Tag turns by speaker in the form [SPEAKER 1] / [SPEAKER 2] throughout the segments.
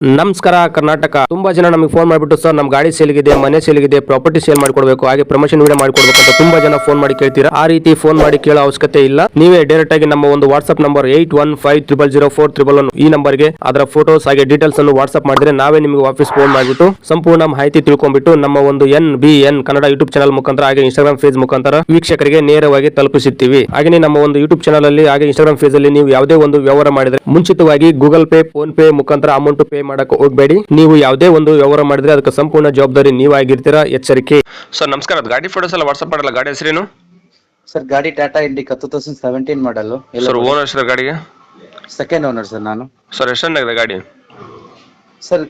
[SPEAKER 1] ನಮಸ್ಕಾರ ಕರ್ನಾಟಕ. ತುಂಬಾ ಜನ ನಮಗೆ ಫೋನ್ ಮಾಡಿಬಿಟ್ಟು ಸರ್ ನಮ್ಮ ಗಾಡಿ ಸೇಲ್ಗಿದೆ, ಮನೆ ಸೇಲ್ಗಿದೆ, ಪ್ರಾಪರ್ಟಿ ಸೇಲ್ ಮಾಡ್ಕೊಡ್ಬೇಕು, ಹಾಗೆ ಪ್ರಮೋಷನ್ ವಿಡಿಯೋ ಮಾಡ್ಕೊಡ್ಬೇಕು ಅಂತ ತುಂಬಾ ಜನ ಫೋನ್ ಮಾಡಿ ಕೇಳ್ತೀರಾ. ಆ ರೀತಿ ಫೋನ್ ಮಾಡಿ ಕೇಳೋ ಅವಶ್ಯಕತೆ ಇಲ್ಲ. ನೀವೇ ಡೈರೆಕ್ಟ್ ಆಗಿ ನಮ್ಮ ಒಂದು ವಾಟ್ಸ್ಆಪ್ ನಂಬರ್ 81500411 ಈ ನಂಬರ್ಗೆ ಅದರ ಫೋಟೋಸ್ ಹಾಗೆ ಡೀಟೇಲ್ಸ್ ಅನ್ನು ವಾಟ್ಸ್ಆಪ್ ಮಾಡಿದ್ರೆ ನಾವೇ ನಿಮಗೆ ವಾಪಸ್ ಫೋನ್ ಮಾಡಿಬಿಟ್ಟು ಸಂಪೂರ್ಣ ಮಾಹಿತಿ ತಿಳ್ಕೊಂಡ್ಬಿಟ್ಟು ನಮ್ಮ ಒಂದು NBN ಕನ್ನಡ ಯೂಟ್ಯೂಬ್ ಚಾನಲ್ ಮುಖಾಂತರ ಹಾಗೆ ಇನ್ಸ್ಟಾಗ್ರಾಮ್ ಪೇಜ್ ಮುಖಾಂತರ ವೀಕ್ಷಕರಿಗೆ ನೇರವಾಗಿ ತಲುಪಿಸುತ್ತೀವಿ. ಹಾಗೆ ನಮ್ಮ ಒಂದು ಯೂಟ್ಯೂಬ್ ಚಾನಲ್ ಅಲ್ಲಿ ಹಾಗೆ ಇನ್ಸ್ಟಾಗ್ರಾಮ್ ಪೇಜ್ ಅಲ್ಲಿ ನೀವು ಯಾವುದೇ ಒಂದು ವ್ಯವಹಾರ ಮಾಡಿದ್ರೆ ಮುಂಚಿತವಾಗಿ ಗೂಗಲ್ ಪೇ, ಫೋನ್ ಪೇ ಮುಖಾಂತರ ಅಮೌಂಟ್ ಪೇ ಮಾಡಕ್ಕೆ ಹೋಗಬೇಡಿ. ನೀವು ಯಾವುದೇ ಒಂದು ವ್ಯವಹಾರ ಮಾಡಿದ್ರೆ ಅದಕ್ಕೆ ಸಂಪೂರ್ಣ ಜವಾಬ್ದಾರಿ ನೀವಾಗಿರ್ತೀರಾ, ಎಚ್ಚರಿಕೆ. ಸರ್ ನಮಸ್ಕಾರ, ಗಾಡಿ ಫೋಟೋಸ್ ಎಲ್ಲ ವಾಟ್ಸ್ಆಪ್ ಮಾಡಲ್ಲ. ಗಾಡಿ ಹೆಸರೇನು
[SPEAKER 2] ಸರ್? ಗಾಡಿ Tata Indica 2017 model.
[SPEAKER 1] Sir owner sir ಗಾಡಿಗೆ?
[SPEAKER 2] ಸೆಕೆಂಡ್ ಓನರ್ ಸರ್ ನಾನು.
[SPEAKER 1] ಸರ್ ಎಷ್ಟಾಗಿದೆ ಗಾಡಿ?
[SPEAKER 2] ಸರ್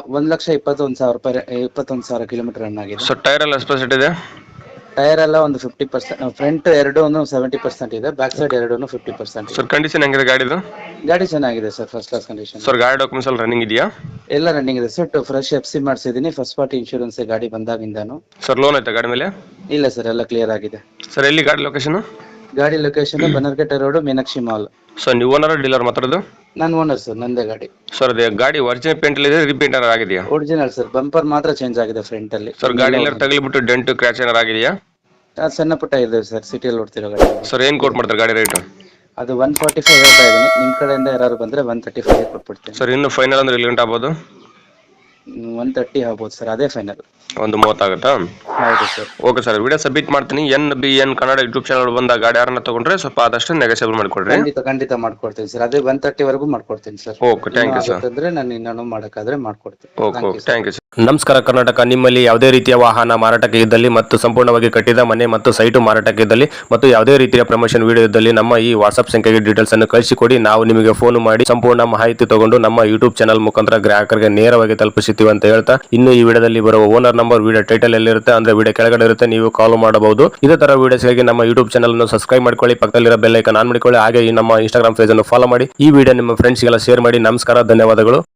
[SPEAKER 2] 1,21,000 ಕಿಲೋಮೀಟರ್ ರನ್ ಆಗಿದೆ.
[SPEAKER 1] ಸರ್ ಟೈರ್ ಎಲ್ಲ ಎಷ್ಟು ಪರ್ಸೆಂಟ್ ಇದೆ?
[SPEAKER 2] ಟೈರ್ ಎಲ್ಲ ಒಂದು 50%, ಫ್ರಂಟ್ ಎರಡು 70% ಇದೆ, ಬ್ಯಾಕ್ ಸೈಡ್ ಎರಡು 50%.
[SPEAKER 1] ಸರ್ ಕಂಡೀಷನ್ ಹೆಂಗಿದೆ ಗಾಡಿದು?
[SPEAKER 2] ಗಾಡಿ ಚೆನ್ನಾಗಿದೆ sir, first class condition.
[SPEAKER 1] Sir ಗಾಡಿ ಡಾಕ್ಯುಮೆಂಟ್ಸ್ ಎಲ್ಲ ರನ್ನಿಂಗ್ ಇದೆಯಾ?
[SPEAKER 2] ಎಲ್ಲ ರನ್ನಿಂಗ್ ಇದೆ ಸರ್. ಫ್ರೆಶ್ FC ಮಾಡಿಸಿದೀನಿ, ಫಸ್ಟ್ ಪಾರ್ಟಿ ಇನ್ಶೂರೆನ್ಸ್ ಗಾಡಿ ಬಂದಾಗಿಂದಾನು.
[SPEAKER 1] ಸರ್ ಲೋನ್ ಐತೆ ಗಾಡಿ ಮೇಲೆ?
[SPEAKER 2] ಇಲ್ಲ ಸರ್, ಎಲ್ಲ ಕ್ಲಿಯರ್ ಆಗಿದೆ.
[SPEAKER 1] ಸರ್ ಎಲ್ಲಿ ಗಾಡಿ ಲೊಕೇಶನ್?
[SPEAKER 2] ಗಾಡಿ location Bannerghatta road, Meenakshi mall.
[SPEAKER 1] Sir ನೀವು ಓನರ್ ಡೀಲರ್ ಮಾತಾಡೋದು?
[SPEAKER 2] ನಾನು ಓನರ್ ಸರ್, ನಂದೇ ಗಾಡಿ.
[SPEAKER 1] ಸರ್ ಅದೇ ಗಾಡಿ ಒರಿಜಿನಲ್ ಪೇಂಟ್ ಇದೆ, ರೀಪೇಂಟ್ ಆಗಿದೆಯಾ?
[SPEAKER 2] ಒರಿಜಿನಲ್ ಸರ್, ಬಂಪರ್ ಮಾತ್ರ ಚೇಂಜ್ ಆಗಿದೆ ಫ್ರಂಟ್ ಅಲ್ಲಿ.
[SPEAKER 1] ಸರ್ ಗಾಡಿ ಎಲ್ಲ ತಗಲಿಬಿಟ್ಟು ಡೆಂಟ್ ಕ್ರ್ಯಾಚ್ ಏನಾರು ಆಗಿದೆಯಾ?
[SPEAKER 2] ಸಣ್ಣ ಪುಟ್ಟ ಇದೆ ಸರ್, ಸಿಟಿಯಲ್ಲಿ ಓಡ್ತಿರೋ ಗಾಡಿ.
[SPEAKER 1] ಸರ್ ಏನ್ ಕೋಟ್ ಮಾಡ್ತಾರೆ ಗಾಡಿ ರೇಟ್?
[SPEAKER 2] ಅದು 145 ಹೇಳ್ತಾ ಇದೀನಿ. ನಿಮ್ ಕಡೆಯಿಂದ ಯಾರು ಬಂದ್ರೆ 135 ಕೊಟ್ಬಿಡ್ತೀನಿ.
[SPEAKER 1] ಸರ್ ಇನ್ನು ಫೈನಲ್ ಅಂದ್ರೆ ಎಲ್ಲಿ ಗಂಟೆ ಆಗ್ಬೋದು?
[SPEAKER 2] 130 ಆಗ್ಬೋದು ಸರ್, ಅದೇ ಫೈನಲ್.
[SPEAKER 1] ಒಂದು 30 ಆಗುತ್ತಾ?
[SPEAKER 2] ಹೌದು sir.
[SPEAKER 1] Okay sir, video submit ಮಾಡ್ತೀನಿ. NBN ಕನ್ನಡ ಯೂಟ್ಯೂಬ್ ಚಾನಲ್ ಬಂದ ಗಾಡಿ ಯಾರನ್ನ ತಗೊಂಡ್ರೆ ಸ್ವಲ್ಪ ಆದಷ್ಟು ನೆಗೋಸಿಯೇಬಲ್ ಮಾಡಿಕೊಡ್ರಿ.
[SPEAKER 2] ಖಂಡಿತ ಮಾಡ್ಕೊಡ್ತೀನಿ ಸರ್, ಅದೇ 130 ವರೆಗೂ ಮಾಡ್ಕೊಡ್ತೀನಿ sir.
[SPEAKER 1] Okay, thank you sir.
[SPEAKER 2] ಅಂದ್ರೆ ನಾನು ಇನ್ನೂ ಮಾಡಕ್ಕಾದ್ರೆ ಮಾಡ್ಕೊಡ್ತೀನಿ.
[SPEAKER 1] Okay, thank you sir. ನಮಸ್ಕಾರ ಕರ್ನಾಟಕ. ನಿಮ್ಮಲ್ಲಿ ಯಾವುದೇ ರೀತಿಯ ವಾಹನ ಮಾರಾಟಕ್ಕೆ ಇದ್ದಲ್ಲಿ ಮತ್ತು ಸಂಪೂರ್ಣವಾಗಿ ಕಟ್ಟಿದ ಮನೆ ಮತ್ತು ಸೈಟು ಮಾರಾಟಕ್ಕೆ ಇದ್ದಲ್ಲಿ ಮತ್ತು ಯಾವುದೇ ರೀತಿಯ ಪ್ರಮೋಷನ್ ವಿಡಿಯೋ ಇದ್ದಲ್ಲಿ ನಮ್ಮ ಈ ವಾಟ್ಸ್ಆಪ್ ಸಂಖ್ಯೆಗೆ ಡೀಟೇಲ್ಸ್ ಅನ್ನು ಕಳಿಸಿಕೊಡಿ. ನಾವು ನಿಮಗೆ ಫೋನ್ ಮಾಡಿ ಸಂಪೂರ್ಣ ಮಾಹಿತಿ ತಗೊಂಡು ನಮ್ಮ ಯೂಟ್ಯೂಬ್ ಚಾನಲ್ ಮುಖಾಂತರ ಗ್ರಾಹಕರಿಗೆ ನೇರವಾಗಿ ತಲುಪಿಸುತ್ತೀವಿ ಅಂತ ಹೇಳ್ತಾ, ಇನ್ನು ಈ ವಿಡಿಯೋದಲ್ಲಿ ಬರುವ ಓನರ್ ನಂಬರ್ ವಿಡಿಯೋ ಟೈಟಲ್ ಎಲ್ಲಿರುತ್ತೆ ಅಂದ್ರೆ ವಿಡಿಯೋ ಕೆಳಗಡೆ ಇರುತ್ತೆ, ನೀವು ಕಾಲ್ ಮಾಡಬಹುದು. ಇದೇ ತರ ವಿಡಿಯೋಸ್ಗಾಗಿ ನಮ್ಮ ಯೂಟ್ಯೂಬ್ ಚಾನಲ್ ಅನ್ನು ಸಬ್ಸ್ಕ್ರೈಬ್ ಮಾಡ್ಕೊಳ್ಳಿ, ಪಕ್ಕದಲ್ಲಿರೋ ಬೆಲ್ ಐಕಾನ್ ಆನ್ ಮಾಡಿಕೊಳ್ಳಿ, ಹಾಗೆ ಈ ನಮ್ಮ ಇನ್ಸ್ಟಾಗ್ರಾಮ್ ಪೇಜ್ ಅನ್ನು ಫಾಲೋ ಮಾಡಿ. ಈ ವಿಡಿಯೋ ನಿಮ್ಮ ಫ್ರೆಂಡ್ಸ್ಗೆಲ್ಲ ಶೇರ್ ಮಾಡಿ. ನಮಸ್ಕಾರ, ಧನ್ಯವಾದಗಳು.